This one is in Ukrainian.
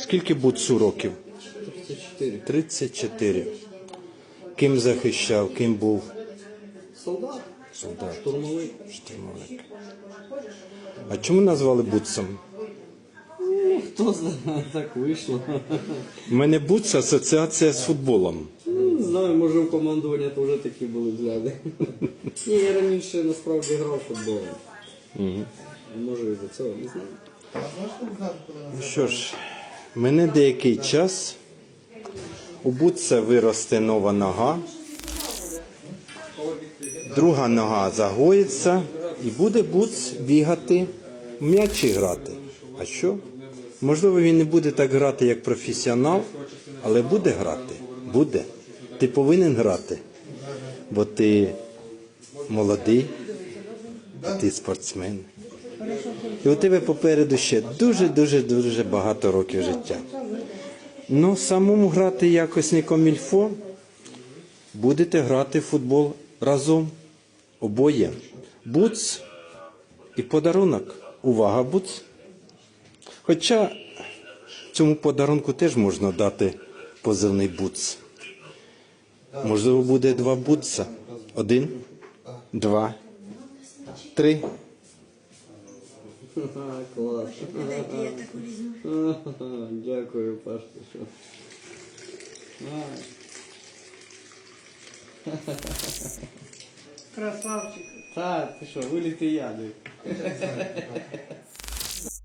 Скільки Буцу років? 34. 34. Ким захищав, ким був? Солдат. Солдат. Штурмовик. Штурмовик. А чому назвали Буцом? Хто знає, так вийшло. У мене Буц асоціація з футболом. Не знаю, може в командуванні то вже такі були взгляди. Ні, я раніше насправді грав в футбол. Може і за цього, не знаю. Ну що ж, мене деякий час. У Буца виросте нова нога. Друга нога загоїться і буде Буц бігати, в м'ячі грати. А що? Можливо, він не буде так грати, як професіонал, але буде грати. Буде. Ти повинен грати, бо ти молодий, ти спортсмен. І у тебе попереду ще дуже багато років життя. Ну, самому грати якось не комільфо. Будете грати в футбол разом. Обоє. Буц і подарунок. Увага, Буц. Хоча цьому подарунку теж можна дати позивний Буц. Можливо, буде 2 Буца. 1, 2, 3. Клас. Дайте я таку візьму. Дякую, Пашка. Що... Красавчик. Так, ти що, виліти яди.